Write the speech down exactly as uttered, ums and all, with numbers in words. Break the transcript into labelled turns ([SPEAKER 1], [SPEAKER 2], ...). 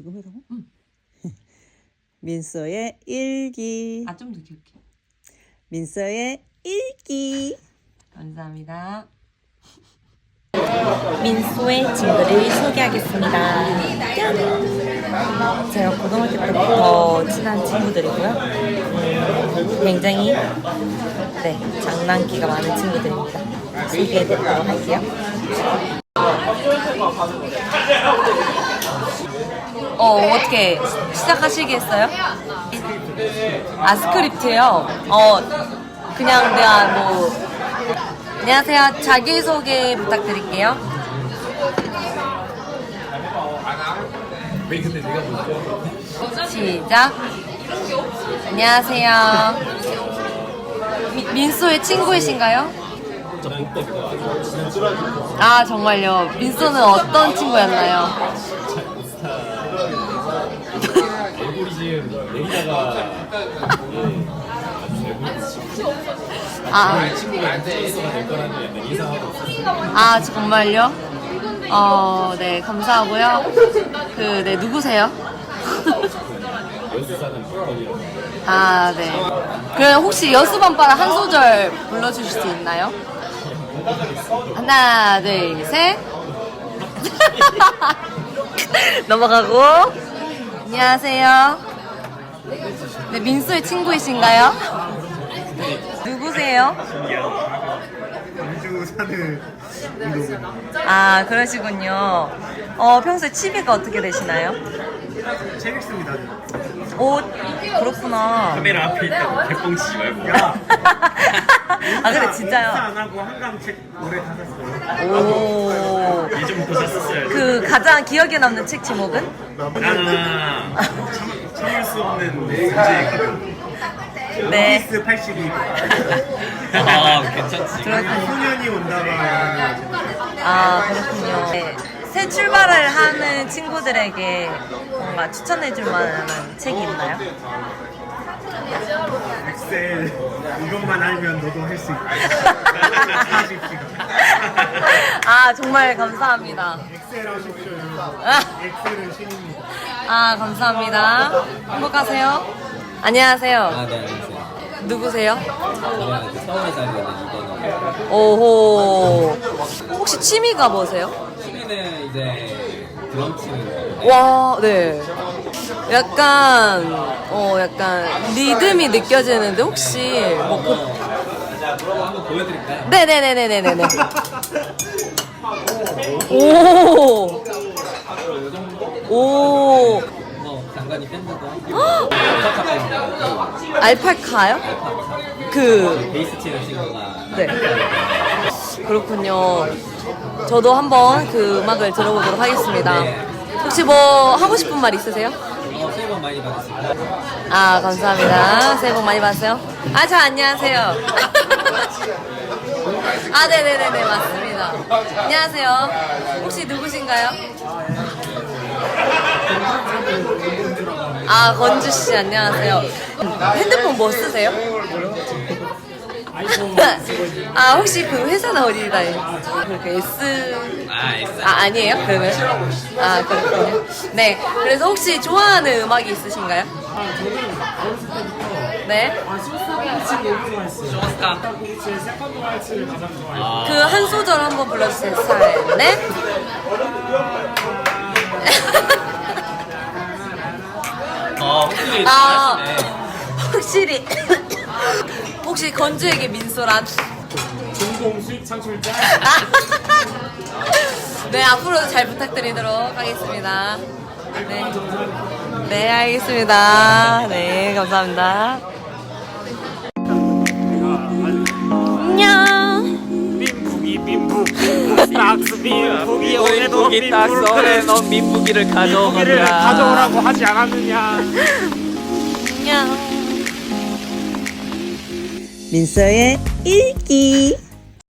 [SPEAKER 1] 지금 해라고?
[SPEAKER 2] 응.
[SPEAKER 1] 민서의 일기.
[SPEAKER 2] 아, 좀 더 귀엽게.
[SPEAKER 1] 민서의 일기.
[SPEAKER 2] 감사합니다.
[SPEAKER 3] 민소의 친구를 소개하겠습니다. 짠! 제가 고등학교 때부터 친한 친구들이고요. 음, 굉장히 네, 장난기가 많은 친구들입니다. 소개해드리도록 할게요.
[SPEAKER 2] 어, 어떻게 시작하시겠어요? 아, 스크립트요? 어, 그냥 내가 뭐 안녕하세요. 자기소개 부탁드릴게요. 시작. 안녕하세요. 미, 민소의 친구이신가요? 아, 정말요? 민소는 어떤 친구였나요?
[SPEAKER 4] 얼굴이 지금 내리다가
[SPEAKER 2] 아,
[SPEAKER 4] 친구한테 애도가 될 거라는 약간 예상하고 있었어요.
[SPEAKER 2] 아, 정말요? 어, 네, 감사하고요. 그, 네, 누구세요?
[SPEAKER 4] 여수 사는 펄펄이라고.
[SPEAKER 2] 아, 네. 그럼 혹시 여수밤바라 한 소절 불러주실 수 있나요? 하나, 둘, 셋. 넘어가고. 안녕하세요. 네, 민수의 친구이신가요? 누구세요?
[SPEAKER 5] 광주 사는 이동입니다.
[SPEAKER 2] 아, 그러시군요. 어, 평소에 취미가 어떻게 되시나요?
[SPEAKER 5] 책 읽습니다.
[SPEAKER 2] 오, 그렇구나.
[SPEAKER 4] 카메라 앞에 있다고 개뻥 치지 말고.
[SPEAKER 5] 야,
[SPEAKER 2] 아, 그래,
[SPEAKER 5] 인스타
[SPEAKER 2] 진짜요?
[SPEAKER 5] 안 하고 한강 책 올해 다 샀어요.
[SPEAKER 2] 오.
[SPEAKER 4] 예전부터 샀었어요.
[SPEAKER 2] 그 가장 기억에 남는 책 제목은?
[SPEAKER 4] 나는 참, 참을 수 없는 문제의 가격.
[SPEAKER 2] 네.
[SPEAKER 5] 원피스 팔십이.
[SPEAKER 4] 아, 괜찮지.
[SPEAKER 2] 그렇군요.
[SPEAKER 5] 소년이 온다가
[SPEAKER 2] 아, 그렇군요. 네. 새 출발을 하는 친구들에게 뭔가 추천해줄 만한 책이 있나요?
[SPEAKER 5] 엑셀 이것만 알면 너도 할 수 있다. 사십 시간.
[SPEAKER 2] 아, 정말 감사합니다.
[SPEAKER 5] 엑셀 하십시오.
[SPEAKER 2] 아,
[SPEAKER 5] 엑셀은 신입니다.
[SPEAKER 2] 아, 감사합니다. 행복하세요. 안녕하세요.
[SPEAKER 6] 아, 네, 안녕하세요.
[SPEAKER 2] 누구세요?
[SPEAKER 6] 저는 이제 서울에 살고 있는 이건호.
[SPEAKER 2] 오호. 혹시 취미가 뭐세요?
[SPEAKER 6] 취미는 이제 드럼 치는 거.
[SPEAKER 2] 와, 네. 약간, 어, 약간 리듬이 느껴지는데 혹시 뭐 그,
[SPEAKER 6] 한번 보여드릴까요?
[SPEAKER 2] 네네네네네네. 오. 오.
[SPEAKER 6] 뭐 장관이 밴드도 하고 알파카 밴드,
[SPEAKER 2] 알파카요? 그,
[SPEAKER 6] 베이스 치는 친구가
[SPEAKER 2] 네. 그렇군요. 저도 한번 그 음악을 들어보도록 하겠습니다.
[SPEAKER 6] 네.
[SPEAKER 2] 혹시 뭐 하고 싶은 말 있으세요?
[SPEAKER 6] 어, 새해 복 많이 받으십니다.
[SPEAKER 2] 아, 감사합니다. 새해 복 많이 받으세요. 아, 저 안녕하세요. 아, 네네네네, 맞습니다. 안녕하세요. 혹시 누구신가요? 아, 건주씨, 안녕하세요. 핸드폰 뭐 쓰세요? 아, 혹시 그 회사는 어디다? 그렇게 S.
[SPEAKER 6] 아, S.
[SPEAKER 2] 아, 아니에요? 그러면? 아, 그렇군요. 네. 그래서 혹시 좋아하는 음악이 있으신가요? 네.
[SPEAKER 6] 쇼스카.
[SPEAKER 2] 그 한 소절 한번 불러주세요. 스타일. 네.
[SPEAKER 6] 어, 확실히
[SPEAKER 2] 아,
[SPEAKER 6] 잘하시네.
[SPEAKER 2] 확실히. 혹시 건주에게 민소란?
[SPEAKER 5] 공공 수익 창출자.
[SPEAKER 2] 네, 앞으로도 잘 부탁드리도록 하겠습니다. 네. 네, 알겠습니다. 네, 감사합니다. 안녕.
[SPEAKER 5] 민북이 민북 민북 딱스 민북이 오늘도
[SPEAKER 6] 민북이 딱 서울에 넌 민북이를
[SPEAKER 5] 민북이를
[SPEAKER 6] 가져오거라.
[SPEAKER 5] 가져오라고 하지 않았느냐.
[SPEAKER 2] 안녕.
[SPEAKER 1] 민서의 일기.